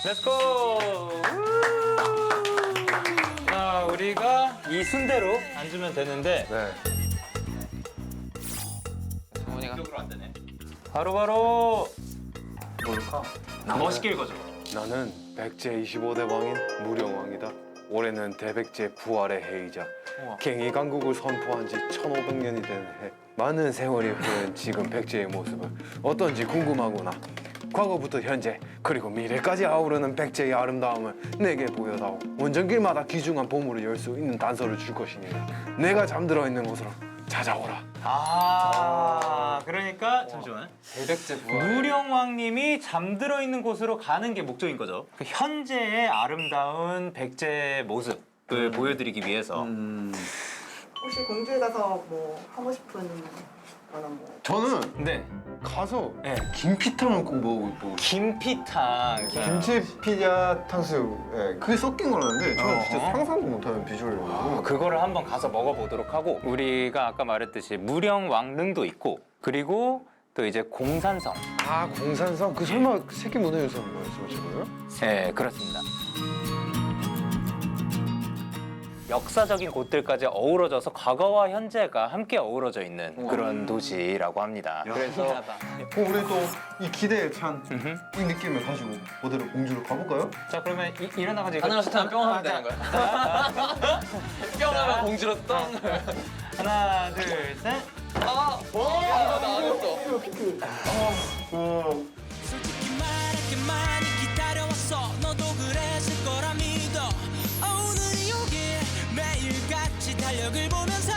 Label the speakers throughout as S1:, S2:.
S1: 렛츠고! 자, 우리가 이 순대로 앉으면 되는데
S2: 네.
S3: 정훈이가
S1: 이쪽으로 안 되네. 바로바로
S2: 뭘까?
S1: 멋있게 읽어줘.
S2: 나는 백제 25대 왕인 무령왕이다. 올해는 대백제 부활의 해이자 갱이 강국을 선포한 지 1500년이 되는 해. 많은 세월이 흐른 지금 백제의 모습은 어떤지 궁금하구나. 과거부터 현재 그리고 미래까지 아우르는 백제의 아름다움을 내게 보여다오. 원정길마다 귀중한 보물을 열 수 있는 단서를 줄 것이니 내가 잠들어 있는 곳으로 찾아오라.
S1: 그러니까 잠시만.
S3: 대백제 부활.
S1: 무령왕님이 잠들어 있는 곳으로 가는 게 목적인 거죠. 그 현재의 아름다운 백제의 모습을 보여드리기 위해서.
S4: 혹시 공주에 가서 뭐 하고 싶은 거나 뭐
S2: 저는
S1: 네.
S2: 가서
S1: 네.
S2: 김피탕을 꼭 먹어보고
S1: 김피탕.
S2: 김치 피자 탕수육 그게 섞인 거라는데 저는 진짜
S1: 어허.
S2: 상상도 못하는 비주얼이거든요.
S1: 그거를 한번 가서 먹어보도록 하고, 우리가 아까 말했듯이 무령왕릉도 있고, 그리고 또 이제 공산성.
S2: 아 공산성? 그 설마 그 새끼 문화유산 말씀하신 거예요?
S1: 네, 그렇습니다. 역사적인 곳들까지 어우러져서 과거와 현재가 함께 어우러져 있는 그런 도시라고 합니다. 그래서
S2: 우리 또 이 기대에 찬 이 느낌을 가지고 그대로 공주로 가볼까요?
S1: 자, 그러면 일어나가지고
S3: 하늘에서 타면 뿅 하면 되는 거야. 뿅 하면 공주로 똥.
S1: 하나, 둘, 셋.
S3: 나 어렸어.
S5: 솔직히 말할게 많이 기다려왔어. 너도 그랬을 거라 믿어. 오늘 여기 매일같이 달력을 보면서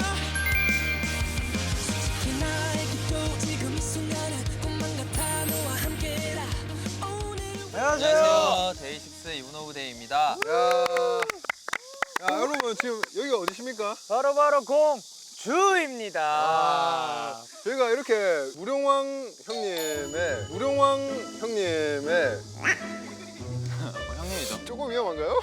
S5: 솔직히 나에게도 지금 이 순간은 꿈만 같아. 너와 함께라. 오늘은
S3: 안녕하세요. 데이식스의 윤호부대입니다.
S2: 야 여러분 지금 여기가 어디십니까?
S1: 바로 공주입니다.
S2: 저희가 이렇게 무령왕 형님의
S3: 형님이죠.
S2: 조금 위험한가요?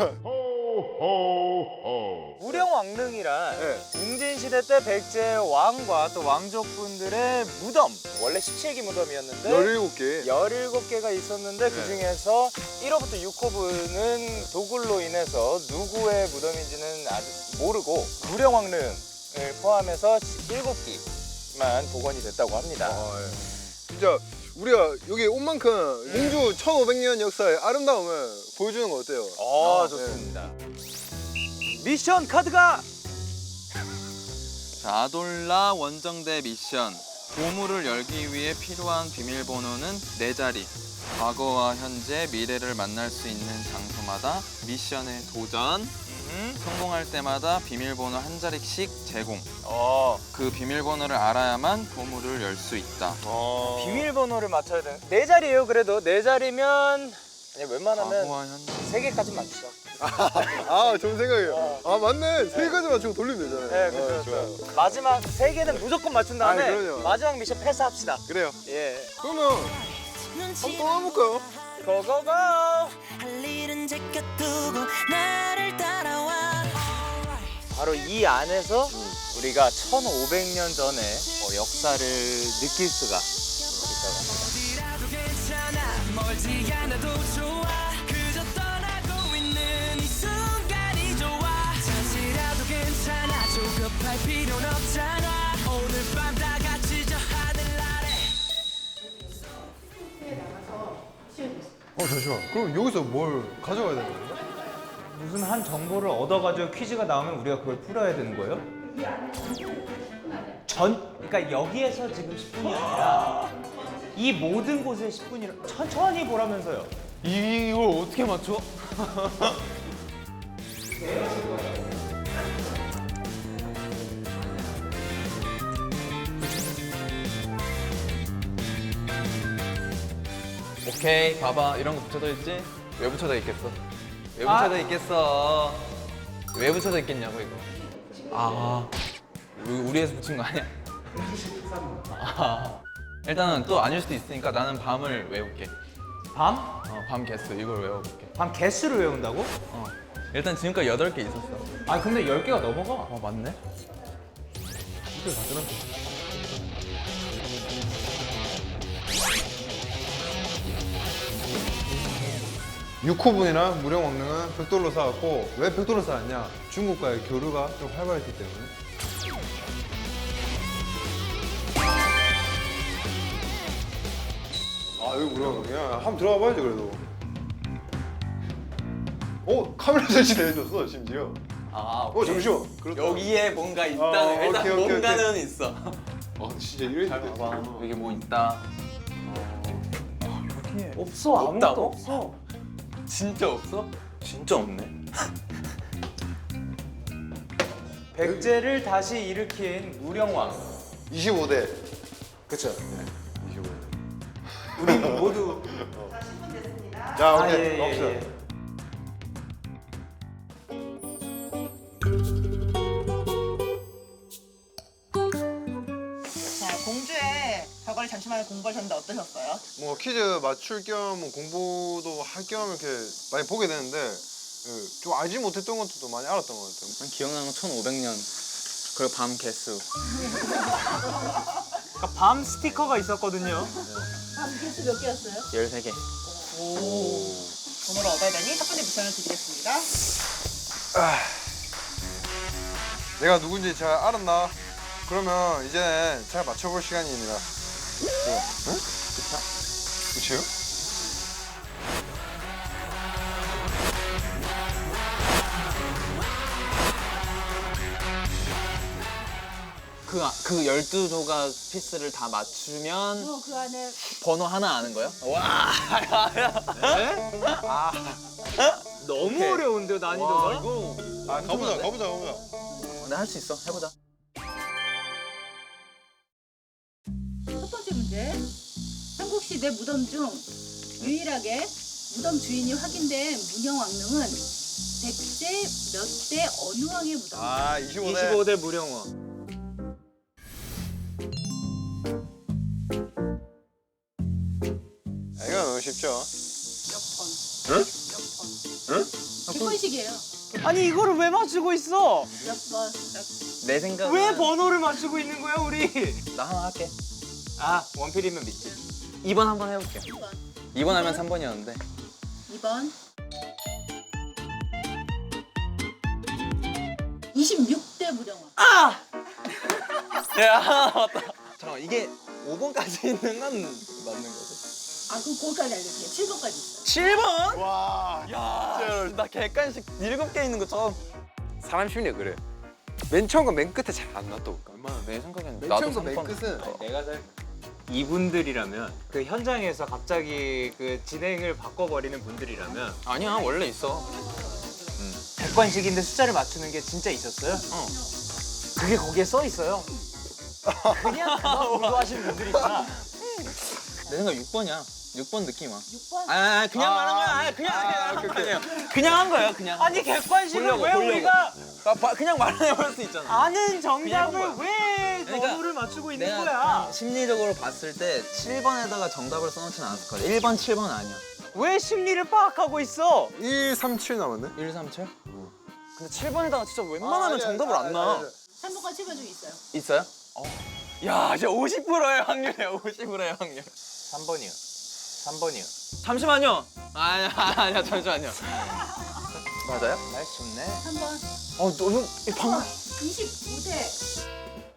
S1: 무령왕릉이란
S2: 네.
S1: 웅진시대 때 백제 왕과 또 왕족분들의 무덤, 원래 17기 무덤이었는데
S2: 17개
S1: 17개가 있었는데 그 중에서 1호부터 6호분은 도굴로 인해서 누구의 무덤인지는 아직 모르고 무령왕릉을 포함해서 7기만 복원이 됐다고 합니다.
S2: 진짜 우리가 여기 온 만큼 공주 1500년 역사의 아름다움을 보여주는 거 어때요?
S1: 좋습니다. 미션 카드가
S3: 자, 아돌라 원정대 미션. 보물을 열기 위해 필요한 비밀번호는 4자리. 과거와 현재, 미래를 만날 수 있는 장소마다 미션에 도전. 성공할 때마다 비밀번호 한 자리씩 제공. 그 비밀번호를 알아야만 보물을 열 수 있다.
S1: 비밀번호를 맞춰야 되는 4자리예요. 그래도 4자리면 웬만하면
S3: 과거와 현재.
S1: 3개까지 맞추죠.
S2: 아 좋은 생각이에요. 아 맞네. 세 가지 맞추고 돌리면 되잖아요.
S1: 네, 그렇죠. 마지막 3개는 무조건 맞춘 다음에
S2: 아니, 그럼요.
S1: 마지막 미션 패스합시다.
S2: 그래요.
S1: 예.
S2: 그러면 한번 떠나볼까요?
S1: 고고고!
S5: 할 일은 제껴두고 나를 따라와.
S1: 바로 이 안에서 우리가 1500년 전에 역사를 느낄 수가 있다고 합니다.
S5: 어디라도 괜찮아. 멀지 않아도 좋아. 그저 떠나고 있는 이 순간이 좋아. 잠시라도 괜찮아. 조급할 필요는 없잖아. 오늘 밤 다 같이 저 하늘 아래.
S2: 잠시만. 그럼 여기서 뭘 가져가야 되는 거예요?
S1: 무슨 한 정보를 얻어가지고 퀴즈가 나오면 우리가 그걸 풀어야 되는 거예요? 그러니까 여기에서 지금 10분이 아니라 이 모든 곳에 10분이라 천천히 보라면서요.
S3: 이걸 어떻게 맞춰? 오케이, 봐봐. 이런 거 붙여져 있지? 왜 붙여져 있겠어? 왜 붙여져 있겠어? 왜 붙여져 있겠냐고, 이거. 우리에서 붙인 거 아니야? 일단은 또 아닐 수도 있으니까 나는 밤을 외울게.
S1: 밤?
S3: 밤 개수 이걸 외워볼게.
S1: 밤 개수를 외운다고?
S3: 일단 지금까지 8개 있었어.
S1: 아 근데 10개가 넘어가.
S3: 맞네? 이걸 가져라.
S6: 육호분이랑 무령왕릉은 벽돌로 쌓았고 왜 벽돌로 쌓았냐? 중국과의 교류가 좀 활발했기 때문에. 아 여기 무령왕릉이야? 한번 들어가 봐야지 그래도. 카메라 설치돼 해줬어 심지어.
S3: 아
S6: 잠시만.
S3: 여기에 뭔가 있다는 일단
S6: 오케이,
S3: 뭔가는 있어.
S6: 진짜 이래.
S3: 잘 봐봐. 여기 뭐 있다.
S1: 없어.
S3: 없다고?
S1: 없어.
S3: 진짜 없어? 진짜 없네.
S1: 백제를 다시 일으킨 무령왕.
S6: 25대.
S1: 그쵸?
S6: 25대.
S1: 우리 모두
S6: 자
S1: 아,
S6: 오케이.
S1: 예, 예,
S6: 없어.
S1: 예.
S4: 자, 공주의 벽을 잠시만 공부하셨는데 어떠셨어요?
S6: 뭐 퀴즈 맞출 겸 공부도 할 겸 이렇게 많이 보게 되는데 좀 알지 못했던 것들도 많이 알았던 것 같아요.
S3: 기억나는 건 1500년. 그리고 밤 개수.
S1: 그러니까 밤 스티커가 있었거든요.
S4: 한 개수 몇 개였어요?
S3: 13개.
S4: 돈으로 얻어야 되니 첫 번째 미션을 드리겠습니다.
S6: 내가 누군지 잘 알았나? 그러면 이제 잘 맞춰볼 시간입니다. 응? 그치요?
S3: 그 12조각 피스를 다 맞추면
S4: 그 안에
S3: 번호 하나 아는 거요? 와.
S1: 너무 어려운데요, 난이도가?
S3: 이거
S6: 가보자.
S3: 내가 할 수 있어. 해보자.
S7: 첫 번째 문제. 삼국시대 무덤 중 유일하게 무덤 주인이 확인된 문영왕릉은 백제 몇 대 어느 왕의 무덤?
S6: 25대.
S1: 25대 무령왕.
S6: 이거 너무 쉽죠?
S7: 몇 번? 몇 번? 객관식이에요.
S1: 아니 이거를 왜 맞추고 있어?
S7: 몇 번?
S3: 내 생각은
S1: 왜 번호를 맞추고 있는 거야 우리?
S3: 나 하나 할게.
S1: 아 원필이면 믿지.
S3: 2번 한번 해볼게.
S7: 2번.
S3: 2번 하면 3번이었는데.
S7: 2번. 26대 무령왕.
S3: 야 맞다. 잠깐만 이게 5번까지 있는 건 맞는 거지?
S7: 아, 그럼 거기까지 알려줄게요. 7번까지 있어요.
S3: 7번?
S6: 와.
S3: 야, 나 객관식 7개 있는 거 처음.
S2: 사람 심리가 그래. 맨 처음과 맨 끝에 잘 안 놔둬.
S3: 얼마나 내 생각에는
S6: 맨
S3: 나도
S6: 처음과 맨
S3: 3번.
S6: 끝은
S1: 내가 잘 이분들이라면 그 현장에서 갑자기 그 진행을 바꿔버리는 분들이라면
S3: 아니야 원래 있어.
S1: 객관식인데 숫자를 맞추는 게 진짜 있었어요? 그게 거기에 써 있어요. 그냥 그만 공부하시는 분들이구나.
S3: 내 생각 6번이야. 6번 느낌 와.
S7: 6번.
S3: 그냥 말한 거야. 그냥 한 거예요. 그냥.
S1: 아니 객관식을
S3: 보려고,
S1: 왜
S3: 보려고.
S1: 우리가
S3: 그냥 말해볼 수 있잖아.
S1: 아는 정답을
S3: 그냥
S1: 왜
S3: 그러니까
S1: 번호를 맞추고 있는
S3: 내가
S1: 거야?
S3: 그냥 심리적으로 봤을 때 7번에다가 정답을 써놓진 않았을 거야. 1번, 7번 아니야.
S1: 왜 심리를 파악하고 있어?
S6: 1, 3, 7 남았네?
S3: 1, 3, 7? 근데 7번에다가 진짜 웬만하면 정답을 안 넣어.
S7: 3번과 7번 중에 있어요.
S3: 있어요? 야, 이제 50%의 확률이야. 50%의 확률.
S1: 3번이요. 3번이요.
S3: 잠시만요. 아니야, 잠시만요. 맞아요?
S1: 날 좋네.
S7: 3번.
S3: 너는 방금
S7: 25대.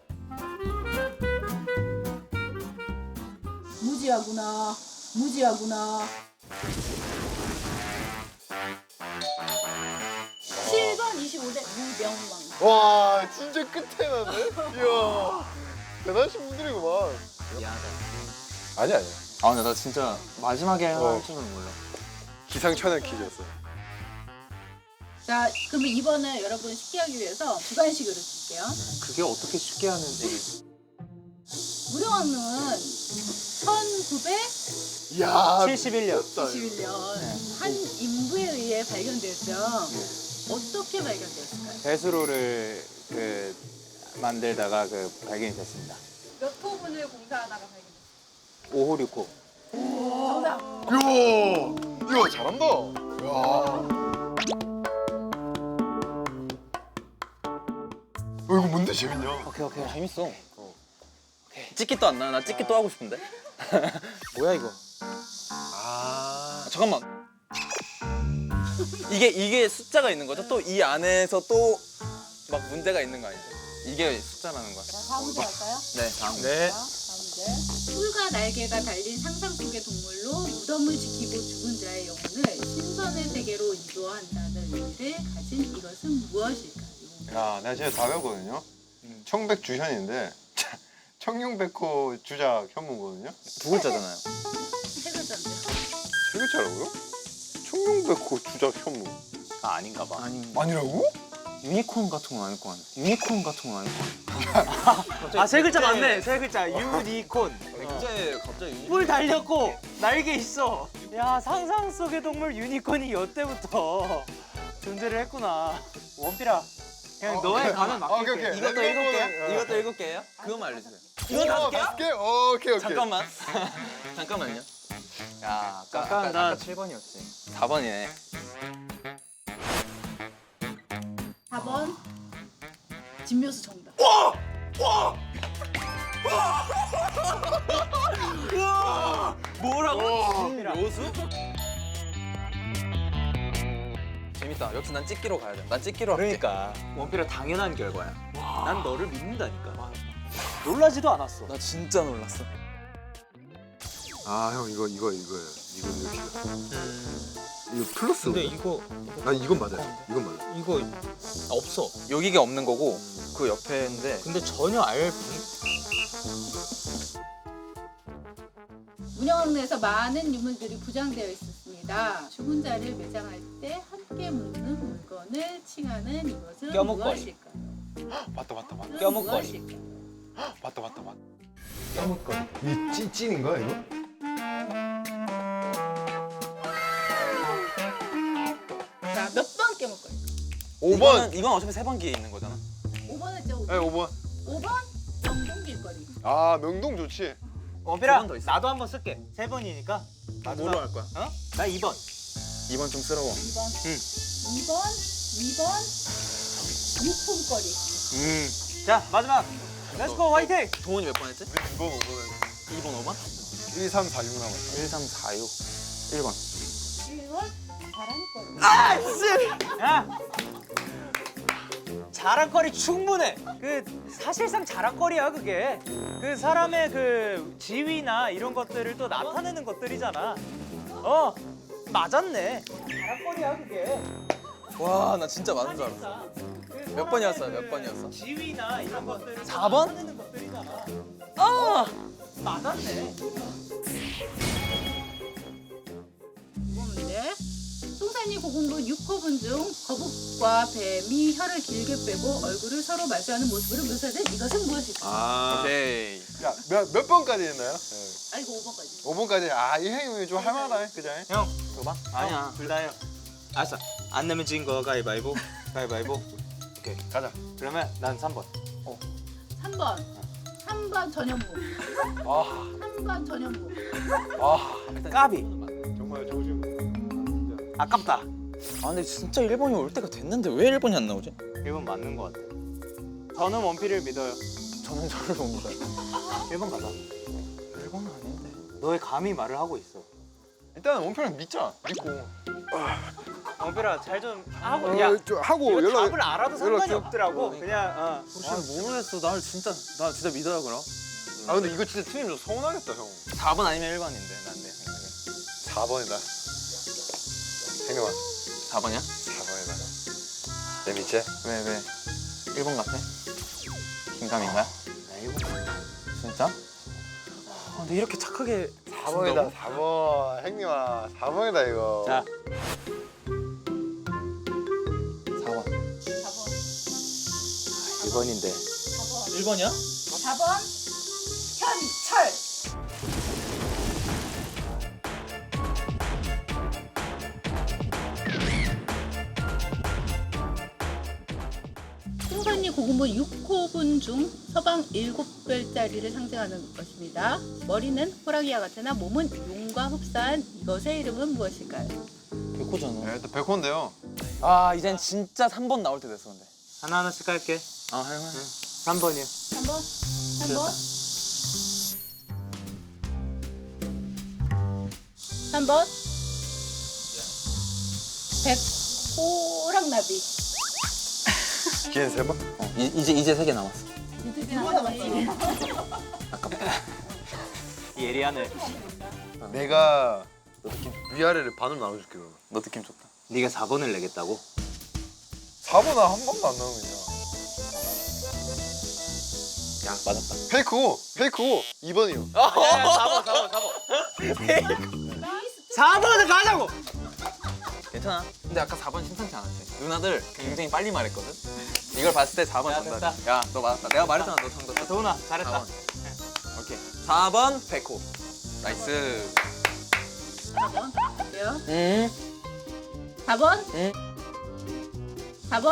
S7: 무지하구나. 무지하구나. 7번 25대 무명왕.
S6: 와 진짜 끝에 나네? 이야 대단하신 분들이구만.
S1: 미안하다.
S6: 아니야.
S3: 근데 나 진짜 마지막에 할 줄은 몰라.
S6: 기상천외 퀴즈였어.
S7: 자, 그러면 이번에 여러분 쉽게 하기 위해서 주관식으로 줄게요.
S1: 그게 어떻게 쉽게 하는지.
S7: 무령왕릉은
S6: 71년.
S7: 1971년 한 인부에 의해 발견됐죠. 어떻게 발견됐을까요?
S1: 배수로를 만들다가 발견이 됐습니다.
S7: 몇 호분을 공사하다가 발견됐어요?
S1: 5호 6호.
S7: 정답.
S6: 이야 잘한다. 이야. 이거 뭔데 재밌냐?
S3: 오케이. 재밌어. 찍기도 안 나. 나 찍기 또 하고 싶은데.
S1: 뭐야 이거?
S3: 잠깐만. 이게 숫자가 있는 거죠? 또 이 안에서 또 막 문제가 있는 거 아니죠? 이게 숫자라는 거야.
S7: 자, 다음 문제 갈까요?
S3: 네, 다음.
S1: 네.
S7: 다음 문제. 뿔과 날개가 달린 상상 속의 동물로 무덤을 지키고 죽은 자의 영혼을 신선의 세계로 인도한다는 의미를 가진 이것은 무엇일까요?
S6: 야, 내가 진짜 다 배웠거든요. 청백주현인데 청룡백호 주작 현무거든요.
S3: 두 글자잖아요.
S7: 세 글자인데요.
S6: 세 글자라고요? 청룡백호 주작 현무.
S1: 아, 아닌가 봐.
S6: 아니라고?
S3: 유니콘 같은 건 아닐 거 아니야. 유니콘 같은 건 아닐 거 아니야.
S1: 아, 세 글자 맞네. 세 글자. 유니콘.
S3: 갑자기 유니콘.
S1: 뿔 달렸고 날개 있어. 야, 상상 속의 동물 유니콘이 여태부터 존재를 했구나. 원필아, 그냥 너의 감을 맡길게.
S6: 오케이.
S3: 이것도
S6: 랜덤
S3: 7개야?
S6: 거는,
S3: 이것도 7개예요? 그거만 알려주세요.
S6: 이거 5개? 오케이.
S3: 잠깐만. 잠깐만요. 야,
S1: 잠깐, 나
S3: 7번이었지. 4번이네.
S7: 4번 진묘수 정답.
S3: 뭐라고?
S1: 원필아.
S3: 요수? 재밌다. 역시 난 찍기로 가야 돼. 난 찍기로 할게.
S1: 그러니까 원필아 당연한 결과야. 난 너를 믿는다니까. 놀라지도 않았어.
S3: 나 진짜 놀랐어.
S6: 아, 형 이거예요. 이거 넣읍시다. 이거 플러스.
S1: 근데 이거
S6: 난 이건 맞아요. 이건 맞아.
S1: 이거 없어.
S3: 여기가 없는 거고 그 옆에인데
S1: 근데 전혀 알
S7: 문영왕 내에서 많은 유물들이 부장되어 있었습니다. 죽은 자를 매장할 때 함께 묻는 물건을 칭하는 이것은
S1: 껴묵거리.
S7: 무엇일까요?
S6: 맞다.
S1: 껴묵거리.
S7: 무엇일까요?
S6: 맞다.
S1: 껴묵거리.
S6: 이 찐인 거야 이거?
S7: 자, 몇 번 껴묵거리?
S6: 5번.
S3: 이건 어차피 3번 기에 있는 거잖아.
S7: 5번 했죠?
S6: 네, 5번.
S7: 5번 영동길거리.
S6: 아, 명동 좋지.
S1: 원필아,
S3: 두번더 있어.
S1: 나도 한번 쓸게. 3번이니까.
S3: 뭘로 할 거야?
S1: 어? 나 2번.
S3: 2번 좀 쓰러워.
S7: 2번.
S1: 응.
S7: 2번 육품거리.
S1: 자, 마지막. 렛츠고 화이팅!
S3: 동훈이 몇 번 했지?
S6: 2번, 5번.
S3: 2번, 5번?
S6: 1, 3, 4, 6 남았어.
S3: 1, 3, 4, 6. 1번.
S7: 1번 자랑거리.
S1: 야! 자랑거리 충분해. 사실상 자랑거리야 그게. 사람의 지위나 이런 것들을 또 나타내는 것들이잖아. 맞았네. 자랑거리야 그게.
S3: 와, 나 진짜 맞은 줄 알았어. 몇 번이었어요? 몇 번이었어?
S1: 지위나 이런 것들을
S3: 4번?
S1: 나타내는 것들이잖아. 맞았네.
S7: 이번 문제. 송산이 고군분 6호분 중 거북과 뱀이 혀를 길게 빼고 얼굴을 서로 마주하는 모습으로 묘사된 이것은 무엇일까요?
S6: 아.
S3: 오케이.
S6: 야, 몇 번까지 했나요? 네.
S7: 아이고 5번까지.
S6: 5번까지. 아, 이 형이 좀 할만하네. 그죠?
S1: 형, 줘봐. 아니야, 둘 다요. 알았어. 안 내면 진 거 가위바위보. 가위바위보. 오케이.
S6: 가자.
S1: 그러면 난 3번.
S7: 3번. 3번 전현무.
S6: 아,
S7: 3번 전현무.
S1: 까비.
S6: 정말 좋으신 분.
S1: 아깝다.
S3: 아, 근데 진짜 1번이 올 때가 됐는데 왜 1번이 안 나오지?
S1: 1번 맞는 거 같아. 저는 원필을 믿어요.
S3: 저는 저를 봅니다.
S1: 1번 가자.
S3: 1번은 아닌데.
S1: 너의 감히 말을 하고 있어.
S6: 일단 원표는 믿자. 믿고.
S1: 원필아, 잘 좀 하고. 야,
S6: 좀 하고
S1: 이거
S6: 연락.
S1: 답을 알아도 상관이
S6: 연락해.
S1: 없더라고. 그냥
S3: 아, 모르겠어. 나 진짜 믿어요, 그럼.
S6: 아, 근데 이거 진짜 틀리면 좀 서운하겠다, 형.
S3: 4번 아니면 1번인데, 난 내 생각에.
S6: 4번이다. 행동아.
S3: 4번이야?
S6: 4번이다. 재밌지?
S3: 왜? 1번 같아? 긴가민가?
S1: 나 1번.
S3: 진짜? 아, 근데 이렇게 착하게
S6: 4번이다. 4번. 행님아, 4번이다 이거.
S1: 자,
S3: 4번.
S7: 4번.
S1: 1번인데.
S7: 4번.
S3: 1번이야?
S7: 4번 현철. 풍선이 고군분 6호분 중 서방 7별짜리를 상징하는 것입니다. 머리는 호랑이와 같으나 몸은 용과 흡사한 이것의 이름은 무엇일까요?
S3: 백호잖아.
S6: 네, 일단 백호인데요.
S3: 아, 이젠 진짜 3번 나올 때 됐어, 근데.
S1: 하나하나씩 갈게.
S3: 아, 할
S1: 3번이요.
S7: 3번. 3번. 3번. 호랑나비.
S6: 걔는 세 번?
S3: 이제 3개 남았어.
S1: 예리하네.
S6: 내가 위아래를 반으로 나눠줄게 그러면.
S3: 너 느낌 좋다.
S1: 네가 4번을 내겠다고?
S6: 4번은 한 번도 안 나오면 그냥.
S3: 야 맞았다.
S6: 페이크고 2번이요.
S1: 4번을 가자고!
S3: 괜찮아. 근데 아까 4번 심상치 않았지. 누나들 굉장히 빨리 말했거든. 이걸 봤을 때 4번
S1: 야,
S3: 정답. 야, 너 맞았다. 내가 말했잖아, 너 정답.
S1: 도훈아, 잘했다.
S3: 4번. 오케이. 4번 백호. 나이스.
S7: 4번 갈게요. 4번. 4번.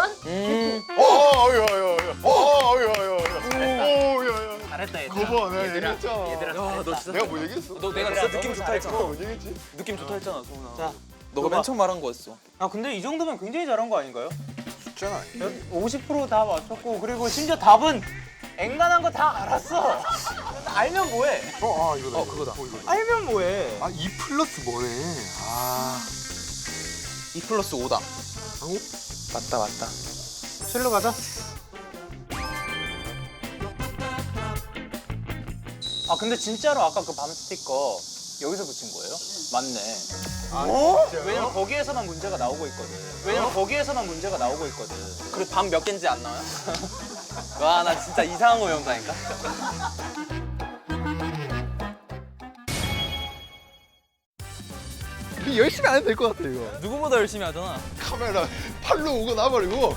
S1: 잘했다, 얘들아.
S6: 거봐, 내가 얘기했잖아.
S1: 얘들아,
S3: 야, 너 진짜.
S6: 내가 뭐 얘기했어?
S3: 너 내가
S1: 얘들아,
S3: 진짜 느낌
S1: 너무
S3: 좋다
S1: 잘했어.
S3: 했잖아.
S6: 뭐 얘기했지?
S3: 느낌 좋다 했잖아, 소은아.
S1: 자,
S3: 너가 맨 처음 말한 거였어.
S1: 아, 근데 이 정도면 굉장히 잘한 거 아닌가요?
S6: 숫자는 아니야.
S1: 50%다 맞췄고, 그리고 심지어 답은 앵간한 거 다 알았어. 알면 뭐해?
S6: 이거다.
S3: 그거다.
S6: 이거다.
S1: 알면 뭐해?
S6: 2 플러스 뭐네.
S3: 2 플러스 5다.
S1: 맞다. 실로 가자. 아, 근데 진짜로 아까 그 밤 스티커 여기서 붙인 거예요? 맞네. 왜냐면 거기에서만 문제가 나오고 있거든.
S3: 그리고 밤 몇 개인지 안 나와요? 와, 나 진짜 이상한 거 외운다니까.
S6: 열심히 안 해도 될 것 같아 이거.
S3: 누구보다 열심히 하잖아.
S6: 카메라 팔로 오고 나버리고.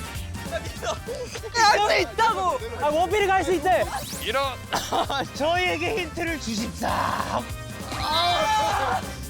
S1: 할 수 있다고! 아, 원필이 갈 수 있대! 이런! 저희에게 힌트를 주십사!